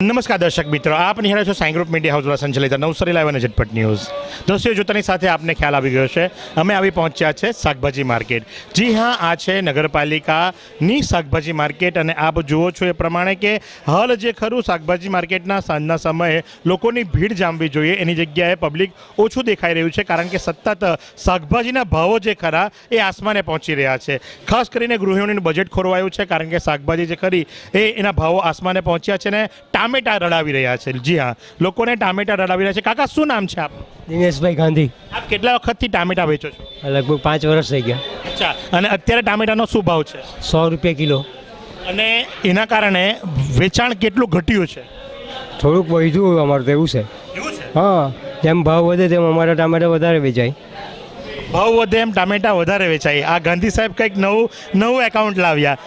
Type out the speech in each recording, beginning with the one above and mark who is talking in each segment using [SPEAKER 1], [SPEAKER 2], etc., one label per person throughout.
[SPEAKER 1] નમસ્કાર દર્શક મિત્રો, આપ નિહાળો છો સાઈ ગ્રુપ મીડિયા હાઉસ દ્વારા સંચાલિત નવસારી લાઈવ અને ઝટપટ ન્યૂઝ. દ્રશ્યો જોતાની સાથે આપને ખ્યાલ આવી ગયો છે અમે આવી પહોંચ્યા છે શાકભાજી માર્કેટ. જી હા, આ છે નગરપાલિકાની શાકભાજી માર્કેટ અને આપ જુઓ છો એ પ્રમાણે કે હાલ જે ખરું શાકભાજી માર્કેટના સાંજના સમયે લોકોની ભીડ જામવી જોઈએ એની જગ્યાએ પબ્લિક ઓછું દેખાઈ રહ્યું છે, કારણ કે સતત શાકભાજીના ભાવો જે ખરા એ આસમાને પહોંચી રહ્યા છે. ખાસ કરીને ગૃહિણીનું બજેટ ખોરવાયું છે, કારણ કે શાકભાજી જે ખરી એના ભાવો આસમાને પહોંચ્યા છે ને ટામેટા રડાવી રહ્યા છે. જી હા, લોકોને ટામેટા રડાવી રહ્યા છે. કાકા, શું નામ છે આપનું?
[SPEAKER 2] દિનેશભાઈ ગાંધી.
[SPEAKER 1] આપ કેટલા વખતથી ટામેટા વેચો છો?
[SPEAKER 2] લગભગ 5 વર્ષ થઈ ગયા.
[SPEAKER 1] અચ્છા, અને અત્યારે ટામેટાનો શું ભાવ છે?
[SPEAKER 2] 100 રૂપિયા કિલો.
[SPEAKER 1] અને એના કારણે વેચાણ કેટલું ઘટ્યું છે?
[SPEAKER 2] થોડુંક વધ્યું અમારું તો એવું છે.
[SPEAKER 1] એવું છે?
[SPEAKER 2] હા, જેમ ભાવ વધે તેમ અમારા ટામેટા વધારે વેચાય.
[SPEAKER 1] ભાવ વધે એમ ટામેટા વધારે વેચાય. આ ગાંધી સાહેબ કંઈક નવું એકાઉન્ટ લાવ્યા.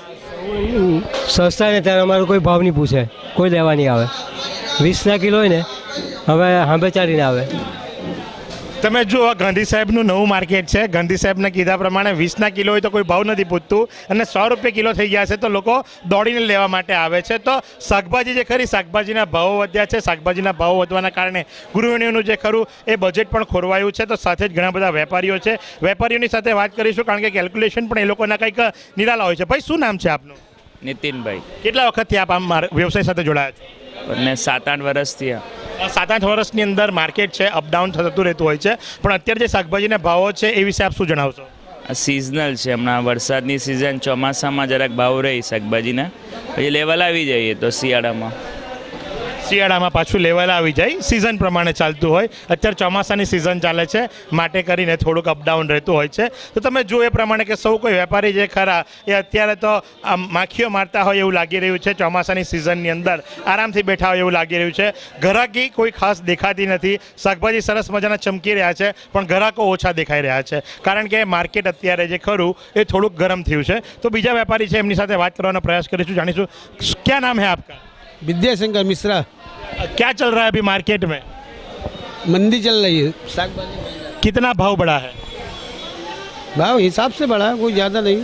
[SPEAKER 2] સસ્તા ને ત્યારે અમારો કોઈ ભાવ નહીં પૂછે, કોઈ લેવા નહીં આવે. 20ના કિલો હોય ને, હવે હાંભે ચાલીને આવે.
[SPEAKER 1] તમે જુઓ, ગાંધી સાહેબનું નવું માર્કેટ છે. ગાંધી સાહેબને કીધા પ્રમાણે 20ના કિલો હોય તો કોઈ ભાવ નથી પૂછતું, અને 100 રૂપિયા કિલો થઈ ગયા છે તો લોકો દોડીને લેવા માટે આવે છે. તો શાકભાજી જે ખરી, શાકભાજીના ભાવો વધ્યા છે. શાકભાજીના ભાવો વધવાના કારણે ગૃહિણીઓનું જે ખરું એ બજેટ પણ ખોરવાયું છે. તો સાથે જ ઘણા બધા વેપારીઓ છે. વેપારીઓની સાથે વાત કરીશું, કારણ કે કેલ્ક્યુલેશન પણ એ લોકોના કંઈક નિરાલા હોય છે. ભાઈ, શું નામ છે આપનું?
[SPEAKER 3] નીતિનભાઈ.
[SPEAKER 1] કેટલા વખતથી આપ આમ વ્યવસાય સાથે જોડાયા છો?
[SPEAKER 3] અને 7-8 વર્ષથી
[SPEAKER 1] 7-8 વર્ષની અંદર માર્કેટ છે, અપડાઉન થતું રહેતું હોય છે, પણ અત્યારે જે શાકભાજીના ભાવો છે એ વિશે આપ શું જણાવશો?
[SPEAKER 3] સિઝનલ છે. હમણાં વરસાદની સિઝન, ચોમાસામાં જરાક ભાવ રહી શાકભાજીના, પછી લેવલ આવી જઈએ તો શિયાળામાં પાછું લેવલ આવી જાય. સિઝન પ્રમાણે ચાલતું હોય. અત્યારે ચોમાસાની સિઝન ચાલે છે, માટે કરીને થોડુંક અપડાઉન રહેતું હોય છે. તો તમે જો એ પ્રમાણે કે સૌ કોઈ વેપારી જે ખરા એ અત્યારે તો આમ માખીઓ મારતા હોય એવું લાગી રહ્યું છે. ચોમાસાની સિઝનની અંદર આરામથી બેઠા હોય એવું લાગી રહ્યું છે. ગ્રાહકી કોઈ ખાસ દેખાતી નથી. શાકભાજી સરસ મજાના ચમકી રહ્યા છે, પણ ગ્રાહકો ઓછા દેખાઈ રહ્યા છે, કારણ કે માર્કેટ અત્યારે જે ખરું એ થોડુંક ગરમ થયું છે. તો બીજા વેપારી છે, એમની સાથે વાત કરવાનો પ્રયાસ કરીશું, જાણીશું. ક્યાં નામ હે આપકા?
[SPEAKER 4] विद्याशंकर मिश्रा.
[SPEAKER 1] क्या चल रहा है अभी मार्केट में?
[SPEAKER 4] मंदी चल रही है. सागबाजी
[SPEAKER 1] कितना भाव बढ़ा है?
[SPEAKER 4] भाव हिसाब से बढ़ा, कोई ज़्यादा नहीं.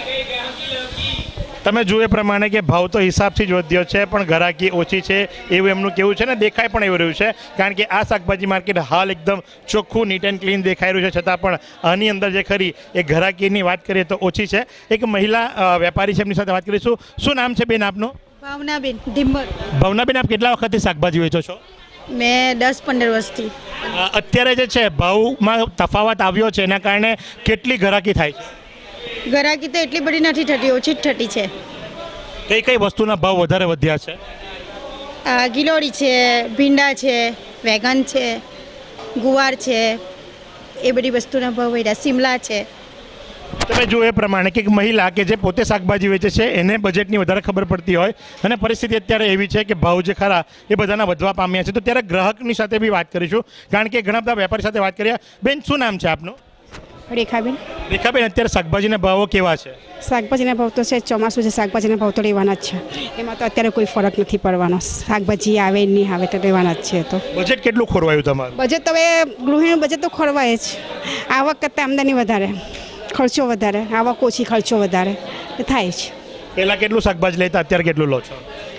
[SPEAKER 1] તમે જુઓ એ પ્રમાણે કે ભાવ તો હિસાબથી જ વધ્યો છે, પણ ગ્રાહકી ઓછી છે એવું એમનું કહેવું છે, ને દેખાય પણ એવું રહ્યું છે, કારણ કે આ શાકભાજી માર્કેટ હાલ એકદમ ચોખ્ખું, નીટ એન્ડ ક્લીન દેખાઈ રહ્યું છે, છતાં પણ આની અંદર જે ખરી એ ગ્રાહકીની વાત કરીએ તો ઓછી છે. એક મહિલા વેપારી છે, એમની સાથે વાત કરીશું. શું નામ છે બેન આપનું?
[SPEAKER 5] ભાવનાબેન ઢીંબર.
[SPEAKER 1] ભાવનાબેન, આપ કેટલા વખતથી શાકભાજી વેચો છો?
[SPEAKER 5] મેં 10-15 વર્ષથી.
[SPEAKER 1] અત્યારે જે છે ભાવમાં તફાવત આવ્યો છે, એના કારણે કેટલી ગ્રાહકી થાય છે?
[SPEAKER 5] ગ્રાહકી તો એટલી બધી નથી થતી, ઓછી જ થતી છે.
[SPEAKER 1] કઈ કઈ વસ્તુના ભાવ વધારે વધ્યા છે?
[SPEAKER 5] ગિલોડી છે, ભીંડા છે, વેગન છે, ગુવાર છે, એ બધી વસ્તુના ભાવ વધ્યા. શિમલા છે.
[SPEAKER 1] તમે જો એ પ્રમાણે કે એક મહિલા કે જે પોતે શાકભાજી વેચે છે એને બજેટની વધારે ખબર પડતી હોય, અને પરિસ્થિતિ અત્યારે એવી છે કે ભાવ જે ખરા એ બધાના વધવા પામ્યા છે. તો ત્યારે ગ્રાહકની સાથે બી વાત કરીશું, કારણ કે ઘણા બધા વેપારી સાથે વાત કર્યા. બેન, શું નામ છે આપનું?
[SPEAKER 6] રેખાબેન.
[SPEAKER 1] રેખાબેન, અત્યારે શાકભાજીના ભાવો કેવા છે?
[SPEAKER 6] શાકભાજીના ભાવ તો છે, ચોમાસું છે, શાકભાજીના ભાવ તો રહેવાના જ છે. એમાં તો અત્યારે કોઈ ફરક નથી પડવાનો. શાકભાજી આવે નહીં આવે તો રહેવાના જ છે. તો
[SPEAKER 1] બજેટ કેટલું ખોરવાયું તમારું?
[SPEAKER 6] બજેટ તો હવે ગૃહિણીનું બજેટ તો ખોરવાય જ. આવક કરતાં આમદની વધારે, ખર્ચો વધારે. આવક ઓછી, ખર્ચો વધારે થાય જ.
[SPEAKER 1] પહેલાં કેટલું શાકભાજી લેતા, અત્યારે કેટલું લો છો?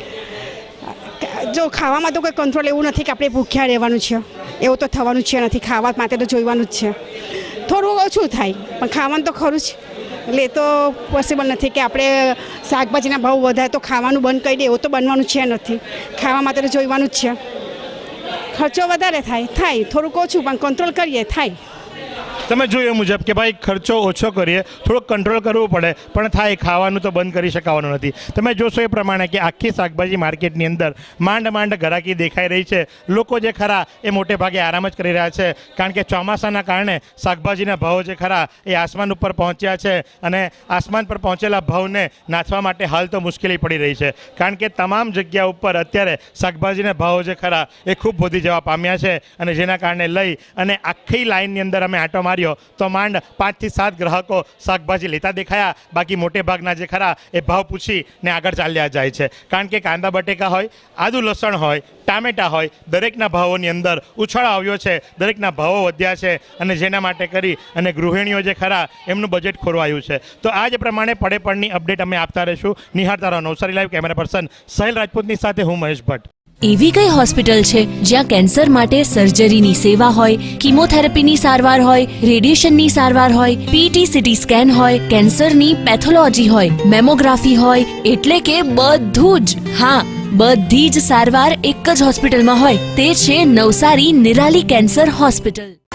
[SPEAKER 6] જો ખાવામાં તો કોઈ કંટ્રોલ એવું નથી કે આપણે ભૂખ્યા રહેવાનું છે, એવું તો થવાનું છે નથી. ખાવા માટે તો જોઈવાનું જ છે. થોડું ઓછું થાય, પણ ખાવાનું તો ખરું જ. એટલે એ તો પોસિબલ નથી કે આપણે શાકભાજીના ભાવ વધારે તો ખાવાનું બંધ કરી દે, એવું તો બનવાનું છે નથી. ખાવા માટે તો જોઈવાનું જ છે. ખર્ચો વધારે થાય, થોડુંક ઓછું પણ કંટ્રોલ કરીએ થાય.
[SPEAKER 1] તમે જોયું મુજબ કે ભાઈ ખર્ચો ઓછો કરીએ, થોડોક કંટ્રોલ કરવું પડે, પણ થાય, ખાવાનું તો બંધ કરી શકાવાનું નથી. તમે જોશો એ પ્રમાણે કે આખી શાકભાજી માર્કેટની અંદર માંડ ગ્રાહકી દેખાઈ રહી છે. લોકો જે ખરા એ મોટે ભાગે આરામ જ કરી રહ્યા છે, કારણ કે ચોમાસાના કારણે શાકભાજીના ભાવો જે ખરા એ આસમાન ઉપર પહોંચ્યા છે, અને આસમાન પર પહોંચેલા ભાવને નાથવા માટે હાલ તો મુશ્કેલી પડી રહી છે, કારણ કે તમામ જગ્યા ઉપર અત્યારે શાકભાજીના ભાવો જે ખરા એ ખૂબ વધી જવા પામ્યા છે, અને જેના કારણે લઈ અને આખી લાઇનની અંદર અમે આંટો માર્યો તો માંડ 5 થી 7 ગ્રાહકો શાકભાજી લેતા દેખાયા. બાકી મોટે ભાગના જે ખરા એ ભાવ પૂછીને આગળ ચાલ્યા જાય છે, કારણ કે કાંદા બટેકા હોય, આદુ લસણ હોય, ટામેટા હોય, દરેકના ભાવોની અંદર ઉછાળો આવ્યો છે, દરેકના ભાવો વધ્યા છે, અને જેના માટે કરી અને ગૃહિણીઓ જે ખરા એમનું બજેટ ખોરવાયું છે. તો આ જ પ્રમાણે પડે અપડેટ અમે આપતા રહીશું. નિહાળતા રહો Navsari live. Camera person Sahil રાજપૂતની સાથે હું મહેશ ભટ્ટ.
[SPEAKER 7] એવી કઈ હોસ્પિટલ છે જ્યાં કેન્સર માટે સર્જરીની સેવા હોય, કીમોથેરાપીની સારવાર હોય, રેડિયેશનની સારવાર હોય, પીટી સીટી સ્કેન હોય, કેન્સરની પેથોલોજી હોય, મેમોગ્રાફી હોય, એટલે કે બધું જ. હા, બધી જ સારવાર એક જ હોસ્પિટલમાં હોય. તે છે નવસારી નિરાલી કેન્સર હોસ્પિટલ.